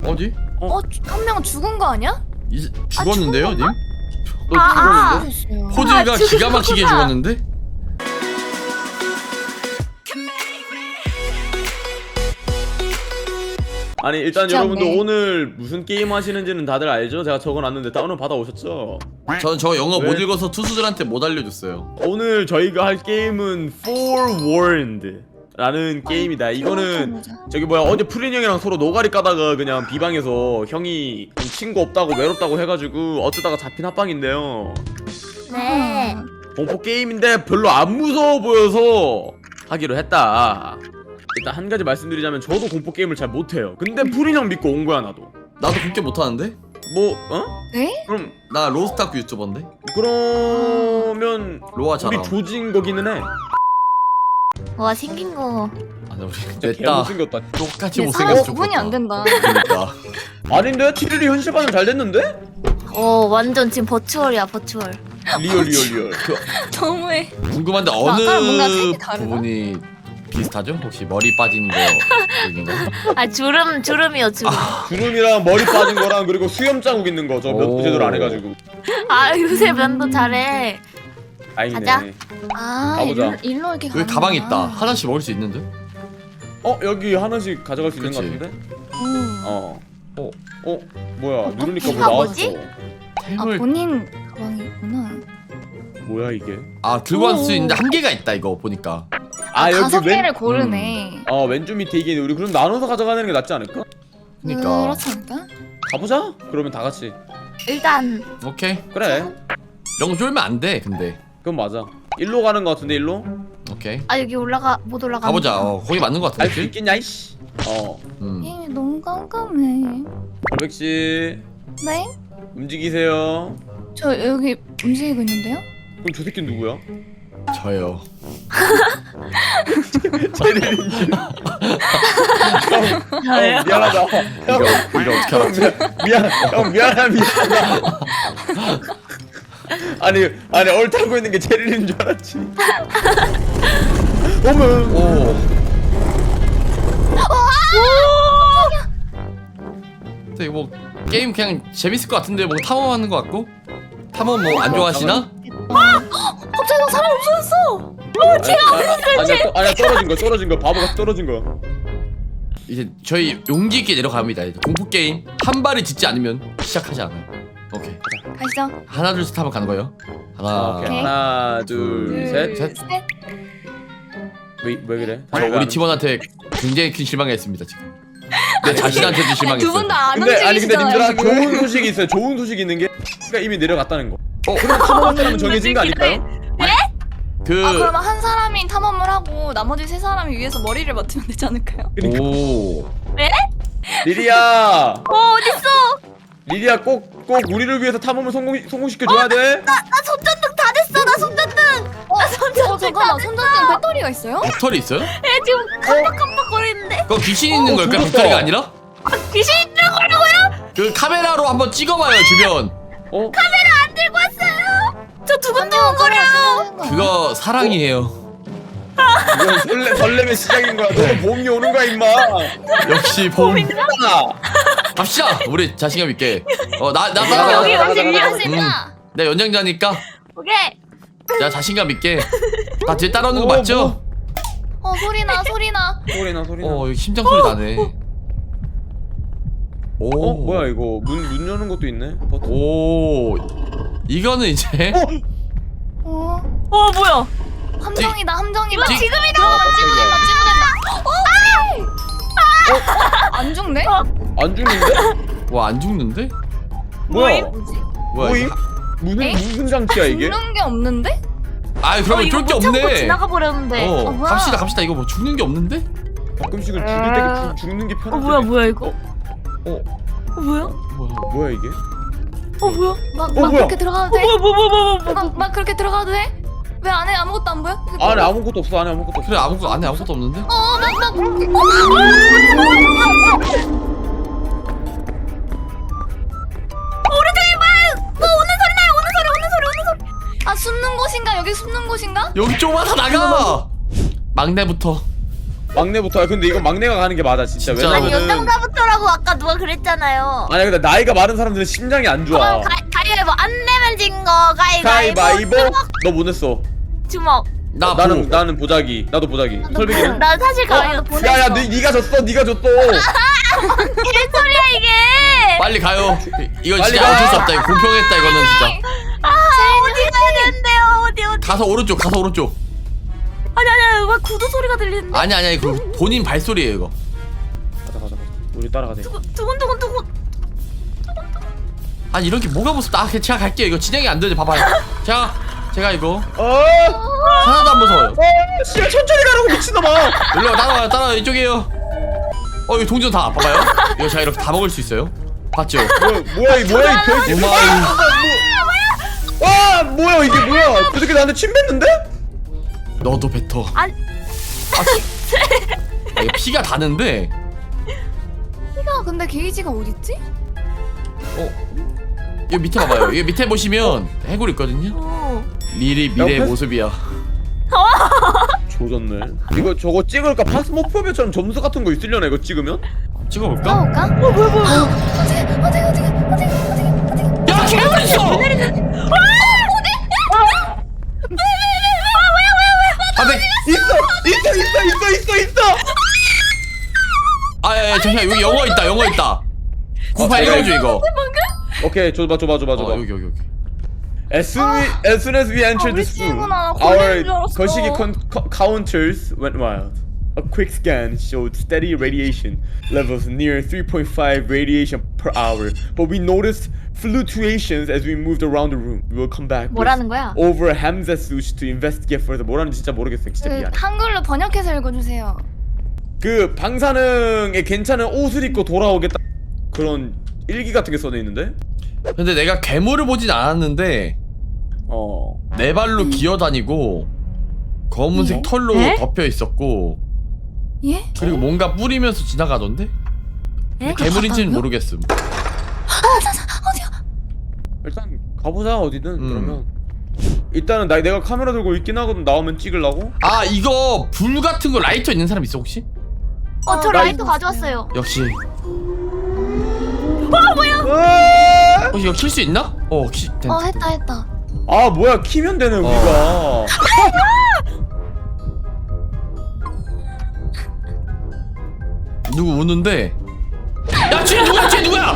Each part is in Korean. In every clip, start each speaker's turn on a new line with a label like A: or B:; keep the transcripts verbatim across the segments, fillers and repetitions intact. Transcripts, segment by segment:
A: 어디?
B: 어, 한 명 죽은 거 아니야?
A: 이, 죽었는데요,
B: 아,
A: 님?
C: 너
B: 아,
C: 죽었는데?
B: 죽었어요.
A: 호들가
C: 아,
A: 기가 막히게
C: 죽었구나.
A: 죽었는데?
C: 아니 일단
B: 진짜
C: 여러분들
B: 없네.
C: 오늘 무슨 게임 하시는지는 다들 알죠? 제가 적어놨는데 다운을 받아오셨죠?
A: 저는 저 영어
C: 왜?
A: 못 읽어서 투수들한테 못 알려줬어요.
C: 오늘 저희가 할 게임은 Forewarned 라는 게임이다. 이거는
B: 맞아.
C: 저기 뭐야 어제 프린 형이랑 서로 노가리 까다가 그냥 비방에서 형이 좀 친구 없다고 외롭다고 해가지고 어쩌다가 잡힌 합방인데요.
B: 네.
C: 공포 게임인데 별로 안 무서워 보여서 하기로 했다. 일단 한 가지 말씀드리자면 저도 공포 게임을 잘 못해요. 근데 프린 형 믿고 온 거야 나도.
A: 나도 그렇게 못하는데?
C: 뭐 어?
B: 네?
C: 그럼
A: 나 로스타크 유튜버인데?
C: 그러면
A: 로아
C: 우리
A: 잘함.
C: 조진 거기는 해.
B: 와, 생긴 거.
A: 아니 우리
C: 진짜
A: 냈다.
C: 개못생겼다.
A: 똑같이
B: 근데 사람
A: 못생겼어.
B: 구분이 안 된다.
A: 그러니까.
C: 아닌데? 티리리 현실 반응 잘 됐는데?
D: 어 완전 지금 버추얼이야 버추얼.
C: 리얼 리얼 리얼.
B: 너무해.
A: 궁금한데
B: 아까랑 뭔가
A: 어느
B: 색이 다르다?
A: 부분이 비슷하죠? 혹시 머리 빠진 거 여긴가?
D: 아 주름 주름이요 주름.
C: 주름이랑 머리 빠진 거랑 그리고 수염 자국 있는 거 저 몇
A: 오.
C: 제대로 안 해가지고.
D: 아 요새 면도 잘해.
C: 다행이네.
D: 가자.
B: 아,
C: 가보자.
B: 일로, 일로 이렇게
A: 여기
B: 가는
A: 가방 있다. 하나씩 먹을 수 있는데?
C: 어 여기 하나씩 가져갈 수 있는 거
A: 그치.
C: 같은데?
B: 음.
C: 어.
A: 어.
C: 어 뭐야 누르니까 뭐
D: 이거
C: 나왔어.
D: 뭐지?
B: 아,
A: 템을
B: 본인 가방이구나.
C: 뭐야 이게?
A: 아 들고 갈 수
B: 오.
A: 있는데 한 개가 있다 이거 보니까.
C: 아 여기
B: 다섯
C: 왼
B: 개를 고르네.
C: 어 왼쪽 밑에 이게 있는데 우리 그럼 나눠서 가져가는 게 낫지 않을까?
A: 그러니까.
B: 그렇지 않을까?
C: 가보자. 그러면 다 같이.
D: 일단
A: 오케이.
C: 그래.
A: 이런 거 쫄면 안 돼. 근데.
C: 그건 맞아. 일로 가는 거 같은데 일로?
A: 오케이.
D: 아 여기 올라가 못 올라가.
A: 가보자. 어, 거기 맞는 거
C: 알 수
A: 같은데.
C: 있겠냐 이씨. 어.
A: 음.
B: 예, 너무 깜깜해.
C: 얼백 씨
B: 네?
C: 움직이세요.
B: 저 여기 움직이고 있는데요?
C: 그럼 저 새끼 누구야?
A: 저요.
C: 제리린 씨. 형, 형 미안하다.
A: 이거
C: 형,
A: 이거 어떻게
C: 형
A: 알았지?
C: 미안, 미안, 형 미안하 미안하다. 아니 아니 얼타고 있는 게 제리린 줄 알았지. 어머.
A: 오. 되게 뭐 게임 그냥 재밌을 것 같은데 뭐 탐험하는 것 같고. 탐험 뭐 안 좋아하시나?
B: 갑자기 막 사람 없어졌어!
C: 제가 아니야 또- 아니야 떨어진 거 떨어진 거 바보가 떨어진 거.
A: 이제 저희 용기 있게 내려갑니다. 이제 공포 게임 한 발을 딛지 않으면 시작하지 않아요. 오케이.
B: 가시죠.
A: 하나 둘 셋 하면 가는 거예요. 하나.
C: 오케이. 하나 둘 셋.
A: 셋.
C: 왜, 왜 그래?
A: 저 우리 팀원한테 굉장히 큰 실망했습니다 지금. 내 자신한테도 실망했어.
B: 두 분 다 안
C: 근데 아니 근데
B: 움직이시잖아요,
C: 님들아
B: 지금.
C: 좋은 소식이 있어요. 좋은 소식이 있는 게 X가 이미 내려갔다는 거.
A: 어,
C: 그럼 탐험한 사람은 정해진 거 아닐까요?
A: 그.
B: 아, 그러면 한 사람이 탐험을 하고 나머지 세 사람이 위에서 머리를 맞추면 되지 않을까요?
A: 오.
C: 리리야,
D: 어 어딨어?
C: 리리야 꼭 꼭 우리를 위해서 탐험을 성공 성공시켜 줘야 돼.
D: 나 손전등 다 됐어 나 손전등.
B: 어, 어 잠깐만, 손전등 배터리가 있어요?
A: 배터리 있어요?
D: 애 지금 깜빡깜빡거리는데.
A: 그거 귀신 있는
C: 어,
A: 걸까요?
C: 죽었다.
A: 배터리가 아니라?
D: 귀신 있는 거라고요?
A: 그 카메라로 한번 찍어봐요 주변.
C: 어?
D: 안 들고 왔어요. 저 두근두근거려요.
A: 그거 사랑이에요.
C: 이건 설레 설렘의 시작인 거야. 너 봄이 오는 거야 임마.
A: 역시 봄.
C: 아,
A: 갑시다. 우리 자신감 있게. 어나나 나,
C: 여기,
A: 나,
D: 여기
C: 가자,
D: 여기
C: 가자,
D: 위에
C: 가자.
B: 하십니다.
A: 내 연장자니까
D: 오케이.
A: 나 자신감 있게. 나 뒤에 따라오는 거
C: 어,
A: 맞죠?
B: 어, 소리나, 소리나.
C: 소리나 소리나.
A: 어 여기 심장 소리 나네. 오
C: 어 뭐야 이거 문 문 여는 것도 있네. 버튼.
A: 오 이거는 이제
C: 어?
B: 어,
D: 어 뭐야?
B: 함정이다, 함정이다.
A: 찍-
B: 지금이다! 찌부된다, 찌부된다. 어, 어, 안 죽네?
C: 안 죽는데?
A: 와 안 죽는데?
C: 뭐야?
B: 뭐지?
A: 뭐야
C: 뭐임?
A: 이거?
C: 무슨
B: 에?
C: 무슨 장치야 이게?
B: 죽는 게 없는데?
A: 아
D: 어
A: 그러면
D: 이거
A: 쫄 게
D: 못 참고
A: 없네.
D: 지나가 버렸는데.
A: 어
B: 어, 뭐야?
A: 갑시다 갑시다. 이거 뭐 죽는 게 없는데?
C: 가끔씩은 죽을 때 죽- 죽는 게 편해.
D: 어 뭐야 뭐야 이거?
A: 어
D: 어 뭐야?
A: 뭐야?
C: 뭐야 이게?
D: 어 뭐야?
B: 막,
C: 어,
B: 막
C: 뭐야?
B: 그렇게 들어가도 돼?
D: 뭐야 뭐야 뭐야 뭐야?
B: 막, 막 그렇게 들어가도 돼? 왜 안에 아무것도 안 보여? 이게
C: 안에
B: 뭐야?
C: 아무것도 없어. 안에 아무것도 없어.
A: 그래 아무것도 안에 아무것도 없는데?
B: 어, 막, 막.
D: 우리 저기 막 뭐 오는 소리 나요 오는 소리 오는 소리 오는 소리.
B: 아, 숨는 곳인가? 여기 숨는 곳인가?
A: 여기 좁아서 나가. 막내부터
C: 막내부터. 근데 이거 막내가 가는 게 맞아 진짜.
A: 진짜.
D: 아니
C: 왜냐면은
D: 연장자부터라고 아까 누가 그랬잖아요.
C: 아니 근데 나이가 많은 사람들은 심장이 안 좋아.
D: 그럼 가, 가위바위보 안 내면 진 거 가위바위보.
C: 가위바위보.
D: 주먹.
C: 너 뭐 냈어?
D: 주먹.
A: 나
C: 나는
A: 보.
C: 나는 보자기. 나도 보자기. 설백이는?
D: 난 사실 가위바위보 보냈어.
C: 야야 니 니가 졌어. 니가 졌어.
D: 무슨 소리야 이게?
A: 빨리 가요. 이거
C: 빨리
A: 진짜
C: 가.
A: 어쩔 수 없다. 이거 공평했다 이거는 진짜.
D: 아 어디 가야 되는데요? 어디 어디?
A: 가서 오른쪽, 가서 오른쪽.
D: 아니 아니 왜 구두 소리가 들리는데?
A: 아니 아니 아니 그 본인 발소리예요 이거.
C: 가자 가자 가자. 우리 따라가자.
D: 두근 두근 두근 두근.
A: 아니 이런 게 뭐가 무섭다. 아, 그냥 제가 갈게요. 이거 진행이 안 되지. 봐봐요. 제가 제가 이거
C: 어.
A: 하나도 안 무서워요.
C: 어. 씨발 천천히 가라고 미친놈아.
A: 일로 와, 따라와요. 따라와 이쪽이에요. 어 이거 동전 다 봐봐요. 이거 제가 이렇게 다 먹을 수 있어요. 봤죠?
C: 뭐 뭐야 이 뭐야 이 별.
A: 오마이.
C: 와 뭐야 이게 뭐야? 저 새끼 나한테 침 뱉는데?
A: 너도 뱉어.
D: 아니
A: 아, 아, 이거 피가 다는데.
B: 피가 근데 게이지가 어딨지?
A: 어. 이거 밑에 봐봐요. 이거 밑에 보시면 해골 있거든요.
D: 오.
A: 미리 미래의
C: 옆에?
A: 모습이야.
C: 조졌네. 이거 저거 찍을까? 파스모포비아처럼 점수 같은 거 있으려나 이거 찍으면?
A: 찍어볼까?
B: 싸울까? 어 뭐야 뭐야 어디 어디 어디 어디 어디 어디
A: 야 괴물 있어. 아, 네.
C: 있어 있어 있어 있어 있어 있어.
A: 아, 예, 예, 잠시만 여기 영어 있다. 영어 있다. 구팔
C: 제가
A: 읽어줘 이거.
C: 오케이 줘봐 줘봐 줘봐 줘봐.
A: 어, 여기 여기 여기.
C: As soon, as soon as we entered
B: 우리
C: this room,
B: 친구나.
C: our
B: 걸리는 줄 알았어.
C: 거시기 con- co- counters went wild. A quick scan showed steady radiation levels near three point five radiation per hour, but we noticed fluctuations as we moved around the room. We will come back
D: 뭐라는
C: with
D: 거야?
C: over Hamzasus to investigate further. 뭐라는지 진짜 모르겠어요. 진짜
B: 그
C: 미안해.
B: 한글로 번역해서 읽어주세요.
C: 그 방사능에 괜찮은 옷을 입고 돌아오겠다 그런 일기 같은 게 써져 있는데.
A: 근데 내가 괴물을 보진 않았는데
C: 어.
A: 네 발로 기어다니고 검은색
B: 예?
A: 털로
D: 에?
A: 덮여 있었고
B: 예?
A: 그리고 뭔가 뿌리면서 지나가던데?
D: 에?
A: 괴물인지는 모르겠음.
B: 어디야?
C: 일단 가보자 어디든.
A: 음.
C: 그러면 일단은 나 내가 카메라 들고 있긴 하거든. 나오면 찍으려고.
A: 아 이거 불 같은 거 라이터 있는 사람 있어 혹시?
D: 어 저
C: 나
D: 라이터
B: 이거
D: 가져왔어요.
A: 역시.
C: 으아!
A: 어 이거 킬 수 있나? 어 키. 된.
B: 어 했다 했다.
C: 아 뭐야 키면 되네 우리가.
A: 누구 우는데? 야 쟤 누구야 쟤 누구야?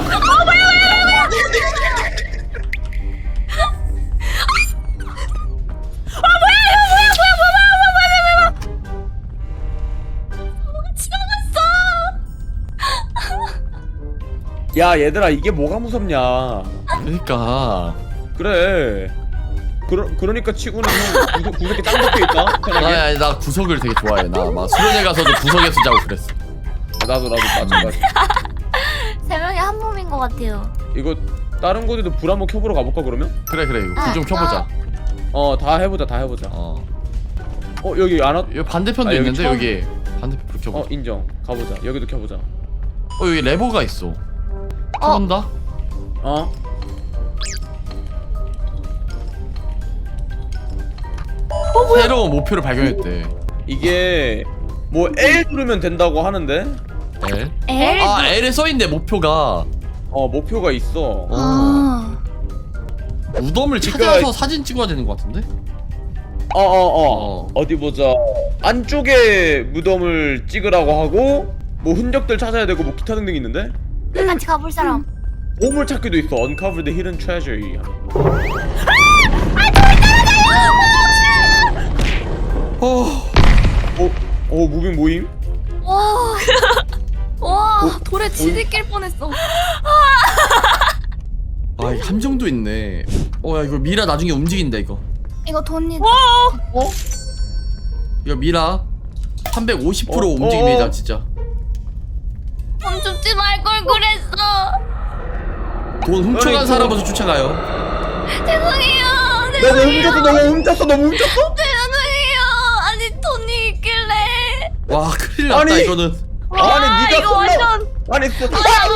C: 야 얘들아 이게 뭐가 무섭냐.
A: 그러니까.
C: 그래. 그러, 그러니까 치고는 형 구석, 구석에 짱 박혀있다 편하게.
A: 나, 아니, 나 구석을 되게 좋아해. 나 막 수련회 가서도 구석에서 자고 그랬어.
C: 나도 나도 마찬가지.
D: 세 명이 한 몸인 것 같아요.
C: 이거 다른 곳에도 불 한번 켜보러 가볼까 그러면?
A: 그래 그래 이거 불 좀
B: 아,
A: 켜보자.
C: 어 다 해보자 다 해보자.
A: 어.
C: 어 여기 안 왔..
A: 여기 반대편도
C: 아, 여기
A: 있는데
C: 처음-
A: 여기 반대편 불 켜보자.
C: 어 인정. 가보자. 여기도 켜보자.
A: 어 여기 레버가 있어. 켜본다.
C: 어?
A: 새로운 목표를 발견했대.
C: 이게 뭐 L 누르면 된다고 하는데
A: L?
D: 에?
A: 아 L에 써있네 목표가.
C: 어 목표가 있어.
A: 어.
B: 아.
A: 무덤을
C: 그러니까-
A: 찾아서 사진 찍어야 되는 것 같은데?
C: 어어어 어,
A: 어.
C: 어디 보자. 안쪽에 무덤을 찍으라고 하고 뭐 흔적들 찾아야 되고 뭐 기타 등등 있는데
D: 같이 가볼 사람.
C: 보물 찾기도 있어. Uncover the hidden treasure.
A: 어.
C: 어? 어 무빙 모임?
B: 와. 와
C: 어?
B: 돌에 지들낄 뻔했어.
A: 아 이게 함정도 있네. 어야 이거 미라 나중에 움직인다 이거.
B: 이거 돈이.
C: 어?
A: 이거 미라 삼백오십 퍼센트
C: 어?
A: 움직입니다
C: 어?
A: 진짜.
B: 돈 줍지 말 걸 그랬어.
A: 돈 훔쳐간
C: 아니,
A: 사람부터 쫓아가요.
B: 죄송해요.
C: 너무
B: 죄송해요.
C: 훔쳤어 너무 훔쳤어 너무 훔쳤어?
B: 죄송해요. 아니 돈이 있길래.
A: 와 큰일 났다
C: 아니.
A: 이거는.
D: 와,
C: 아니 니가
D: 이거
C: 쏠라
D: 완전-
C: 아니 쏘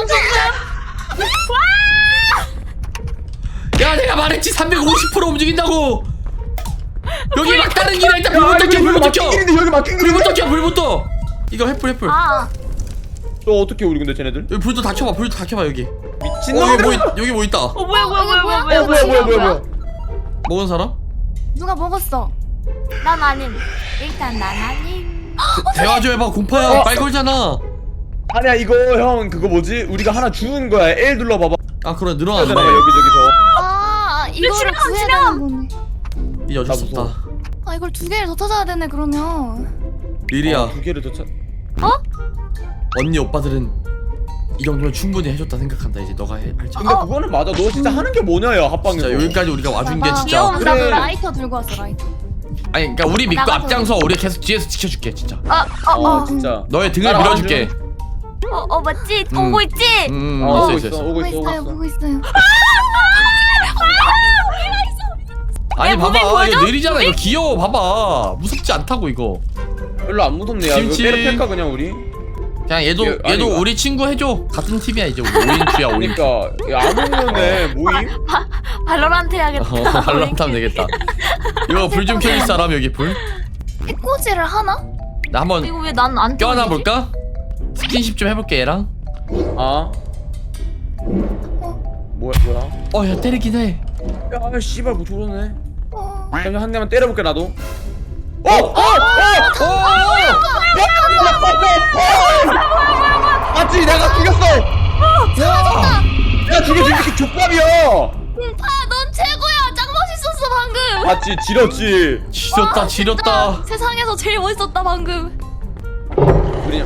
A: 야 내가 말했지 삼백오십 퍼센트 움직인다고. 여기 막다른 길에 일단 불부터 켜 불부터 켜.
C: 길인데 여기 막힌 길인데
A: 불부터 켜 불부터. 이거 횃불 횃불.
D: 아
C: 또 어떻게 우리 근데 쟤네들?
A: 여기 불도 다 켜봐. 불도 다 켜봐 여기.
C: 미친
A: 어, 여기 뭐
C: 놈들!
A: 있, 여기 뭐 있다.
D: 어 뭐야 뭐야 뭐야 뭐야
C: 어 뭐야 뭐야 뭐야 뭐야?
A: 먹은 사람?
B: 누가 먹었어?
D: 난 아님 일단 난 아님
A: 대화 좀 해봐. 공파야 빨 걸잖아.
C: 아니야 이거 형 그거 뭐지? 우리가 하나 주는 거야. L 눌러봐봐.
A: 아 그래
C: 해야
A: 늘어나네.
C: 되나 봐 여기저기서.
B: 아 이거를
D: 지나가,
B: 구해야
D: 지나가.
B: 되는 거네.
A: 이 어쩔
C: 나
A: 수 없다.
C: 무서워.
B: 아 이걸 두 개를 더 찾아야 되네 그러면.
A: 리리야
C: 어, 두 개를 더 찾.
A: 언니 오빠들은 이 정도면 충분히 해줬다 생각한다. 이제 너가 해, 할지.
C: 근데 그거는 맞아. 너 진짜 하는 게 뭐냐 야 합방에서.
A: 진짜 여기까지 우리가 와준 게
B: 봐봐.
A: 진짜.
D: 귀여운
C: 그래.
B: 나도 라이터 들고 왔어 라이터.
A: 아니 그러니까 우리 믿고
B: 나가서.
A: 앞장서. 우리 계속 뒤에서 지켜줄게 진짜.
C: 어
D: 어어어
C: 진짜.
A: 너의 등을
C: 따라와.
A: 밀어줄게.
D: 어, 어, 맞지?
A: 음.
D: 오고 있지?
A: 음
C: 어, 오고
A: 있어
C: 있어
A: 있어 있어.
C: 오고
B: 보고
C: 있어 오고
B: 있어요
C: 있어.
B: 보고 있어요.
A: 아니
D: 야,
A: 봐봐
D: 무빙
A: 이거
D: 보여줘?
A: 느리잖아. 이거 귀여워. 봐봐 무섭지 않다고 이거.
C: 별로 안 무섭네. 야 이거
A: 김치.
C: 때려 팰까 그냥 우리?
A: 그냥 얘도
C: 얘, 아니,
A: 얘도
C: 이거-
A: 우리 친구 해줘. 같은 팀이야 이제. 우리 오인큐야 오인큐.
C: 그러니까 야, 아무면에 모임?
D: 발로란트 해야겠다.
A: 어 발란트 하면 되겠다. 이거 불 좀 켜줄 사람 여기 불?
B: 해코지를 하나?
A: 나 한번
D: 이거 왜 난 안
A: 껴안아 볼까? 스킨십 좀 해볼게 얘랑.
C: 아. 뭐야 뭐야?
A: 어 야 때리긴 해.
C: 야 씨발 뭐 저러네.
B: 어.
C: 잠시 한 대만 때려볼게 나도. 어! 어! 어!
A: 어!
C: 맞지 내가 죽였어. 야! 야 죽여 죽여 족밥이야.
B: 아넌 최고야. 짱 멋있었어 방금.
C: 맞지 지렸지.
A: 지렸다
B: 와,
A: 지렸다.
B: 진짜 세상에서 제일 멋있었다 방금.
C: 우리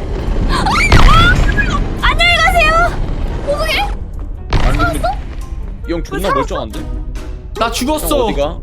D: 안녕히 가세요.
B: 어떻게?
C: 아니 근데 이형 존나 멀쩡한데?
A: 나
C: 형
A: 죽었어.
C: 어디가?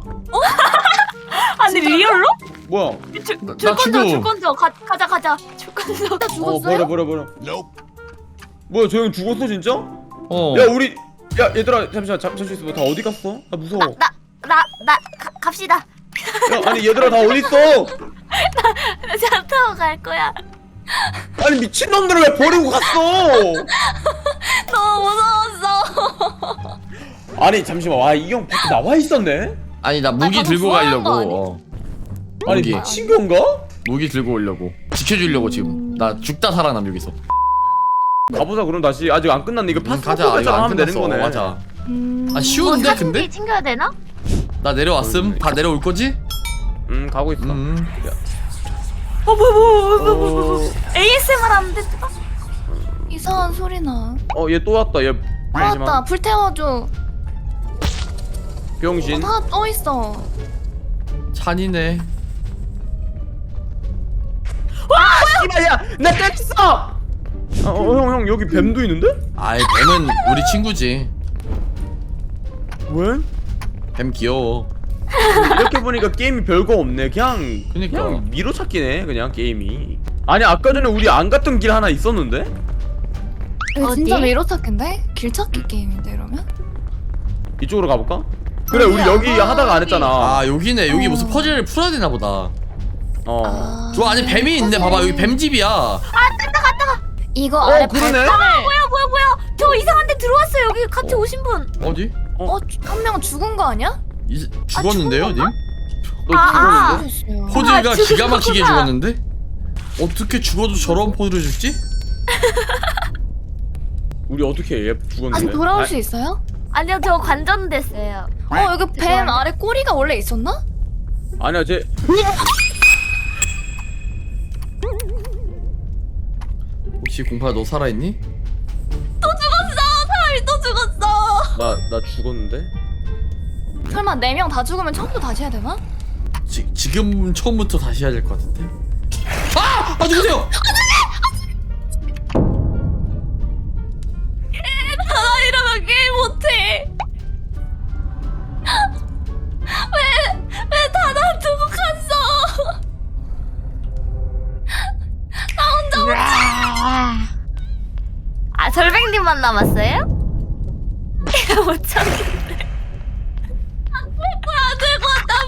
D: 아니 리얼로?
C: 뭐야?
D: 줄
A: 나- 나
D: 건져
A: 죽어.
D: 줄 건져 가 가자 가자 줄 건져.
B: 나
C: 어
B: 죽었어요?
C: 버려 버려 버려. 뭐야 저 형 죽었어 진짜?
A: 어.
C: 야 우리 야 얘들아 잠시만 잠, 잠시 있어봐. 다 어디 갔어? 나 무서워.
D: 나 나 나 갑시다.
C: 야 아니 얘들아 다 어디 있어?
D: 차 타고 갈 거야.
C: 아니 미친놈들을 왜 버리고 갔어?
B: 너무 무서웠어.
C: 아니 잠시만 와 이 형 밖에 나와 있었네?
A: 아니 나 무기
B: 아,
A: 들고
B: 좋아하는 거
A: 가려고. 어.
C: 아니
A: 무기
C: 미친 건가?
A: 무기 들고 오려고. 지켜주려고 지금. 나 죽다 살아남 여기서.
C: 가보자 그럼 다시 아직 안 끝났네 이거
A: 음,
C: 파스
A: 가자. 이거
C: 것처럼
A: 안
C: 하면 되는
A: 끝났어.
C: 거네.
A: 맞아.
B: 음.
A: 아 쉬운데 근데?
D: 사진기 챙겨야 되나?
A: 나 내려왔음. 다 내려올 거지?
C: 음 가고 있어.
A: 음.
D: 어 뭐야 뭐야 뭐야 뭐야
C: 어,
D: 뭐야. 에이에스엠알 하는데.
B: 이상한 소리 나.
C: 어, 얘 또 왔다. 얘
B: 나왔다.
C: 잠시만.
B: 불 태워줘.
C: 병신.
B: 다 떠 있어.
A: 잔이네.
C: 씨발 야, 나 뗐어. 어, 형, 형 여기 뱀도 있는데?
A: 아이 뱀은 우리 친구지.
C: 왜?
A: 뱀 귀여워.
C: 이렇게 보니까 게임이 별거 없네. 그냥
A: 그니까.
C: 그냥 미로찾기네. 그냥 게임이. 아니 아까 전에 우리 안 갔던 길 하나 있었는데?
B: 이거
D: 어디?
B: 진짜 미로 찾기인데? 길 찾기 게임인데 이러면?
C: 이쪽으로 가볼까? 그래 우리
B: 아니야.
C: 여기
B: 아,
C: 하다가 안 했잖아.
A: 아 여기네. 여기
B: 어.
A: 무슨 퍼즐을 풀어야 되나 보다.
C: 어.
B: 아.
A: 저 안에 뱀이 있네. 봐봐 여기 뱀집이야.
B: 이거
C: 어,
B: 아래
C: 그러네.
B: 발판을
D: 뭐야 뭐야 뭐야. 저 이상한 데 들어왔어요. 여기 같이
A: 어.
D: 오신 분.
A: 어디?
B: 어? 한 명 죽은 거 아니야?
A: 이, 죽었는데요 님?
C: 너
D: 아,
C: 죽었는데?
B: 죽었어요.
A: 포즈가
D: 아,
A: 기가 막히게
D: 죽었구나.
A: 죽었는데? 어떻게 죽어도 저런 포즈를 줄지?
C: 우리 어떻게 해? 얘 죽었는데?
B: 아직 돌아올 수 있어요?
D: 아니요 저 관전됐어요.
B: 어 여기 뱀
D: 죄송합니다.
B: 아래 꼬리가 원래 있었나?
C: 아, 아니야 쟤.
A: 혹시 공파 너 살아있니?
B: 사람이 또 죽었어.
C: 나 나 죽었는데?
B: 설마 네 명 다 죽으면 처음부터 다시 해야 되나?
A: 지, 지금 처음부터 다시 해야 될 것 같은데? 아! 아 누구세요?
B: 나 이러면 게임 못해. 왜, 왜 다 놔두고 갔어? 나 혼자
D: 아 절백님만 남았어요? 못 참겠네.
B: 안 들고 왔단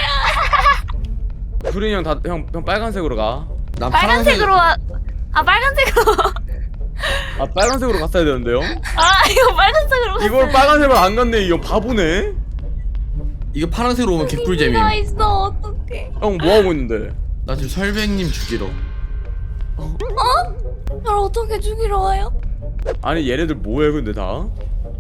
B: 말이야.
C: 구린이 형 다 형 형 빨간색으로 가.
A: 난
D: 빨간색으로 와. 아 빨간색으로.
C: 아 빨간색으로 갔어야 되는데요?
D: 아 이거 빨간색으로. 갔어요.
C: 이걸 빨간색으로 안 갔네. 이 형 바보네.
A: 이거 파란색으로 오면 개꿀잼임.
B: 나 있어 어떡해.
C: 형 뭐 하고 있는데?
A: 나 지금 설백님 죽이러.
B: 날 어떻게 죽이러 와요?
C: 아니 얘네들 뭐해 근데 다?
B: 어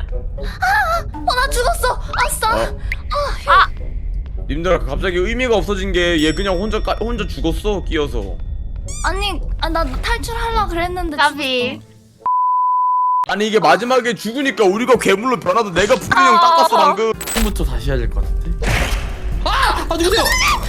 B: 나 죽었어. 아싸.
C: 어. 님들아 갑자기 의미가 없어진 게 얘 그냥 혼자 까, 혼자 죽었어 끼어서.
B: 아니 아, 나 탈출하려 그랬는데
D: 까비.
B: 죽었어.
C: 아니 이게 마지막에 죽으니까 우리가 괴물로 변하도 내가 푸른 형 닦았어 방금.
A: 처음부터 다시 해야 될 것 같은데. 아! 아 누구세요?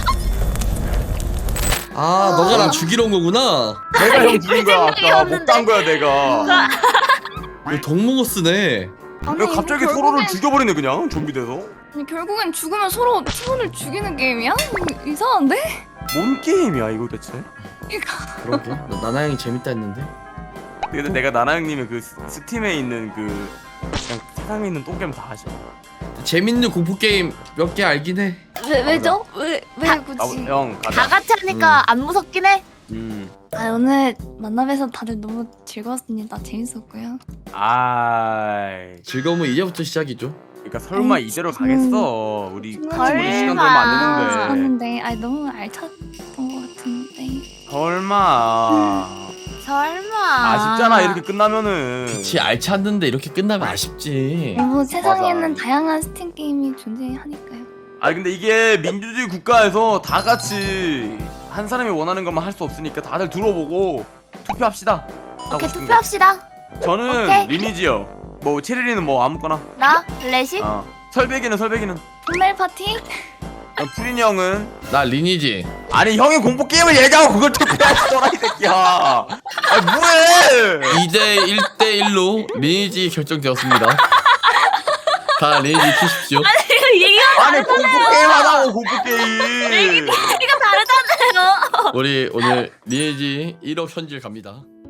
A: 아 너가 나 죽이러 온 거구나.
C: 내가 형 죽인 거야 아까.
D: 생각이었는데.
C: 못간 거야 내가.
A: 이거 덕몽어스네.
B: 아니,
C: 왜
B: 이거
C: 갑자기
B: 결국엔-
C: 서로를 죽여버리네 그냥 좀비 돼서.
B: 아니 결국엔 죽으면 서로 팀원을 죽이는 게임이야? 이- 이상한데?
C: 뭔 게임이야 이거 대체?
B: 이거
A: 그러게. 나- 나나 형이 재밌다 했는데.
C: 근데 내가 나나 형님의 그 스- 스팀에 있는 그 그냥 세상에 있는 똥게임 다 하시.
A: 재밌는 공포 게임 몇 개 알긴 해.
B: 왜 왜죠? 왜 왜
D: 다-
B: 굳이?
C: 아, 형
D: 다
C: 가자.
D: 같이 하니까 안 무섭긴 해.
C: 음.
B: 아 오늘 만나뵈서 다들 너무 즐거웠습니다. 재밌었고요.
C: 아이.
A: 즐거움은 이제부터 시작이죠.
C: 그러니까 설마
B: 아니,
C: 이대로
B: 지금-
C: 가겠어. 우리
B: 지금
C: 같이 보는 시간도 얼마 안 됐는데.
B: 하는데 아 너무 알찼던 것 같은데.
C: 설마.
D: 설마.
C: 아쉽잖아 이렇게 끝나면은.
A: 그치 알찼는데 이렇게 끝나면 아쉽지.
B: 뭐 세상에는
C: 맞아.
B: 다양한 스팀 게임이 존재하니까요.
C: 아 근데 이게 민주주의 국가에서 다 같이 한 사람이 원하는 것만 할 수 없으니까 다들 들어보고 투표합시다. 하고
D: 오케이
C: 싶은 거.
D: 투표합시다.
C: 저는
D: 오케이.
C: 리니지요. 뭐 체리리는 뭐 아무거나.
D: 나 레시.
C: 어. 설백이는 설백이는.
B: 정말 파티?
C: 어, 푸린 형은
A: 나 리니지.
C: 아니 형이 공포 게임을 얘기하고 그걸 투표하시더라 이 새끼야. 아 뭐해?
A: 이 대 일 대 일로 리니지 결정되었습니다. 다 리니지 키십시오.
D: 얘기가
C: 아니 공포 게임 하자고 공포 게임.
D: 얘기가 다르잖아요.
A: 우리 오늘 리니지 일억 현질 갑니다.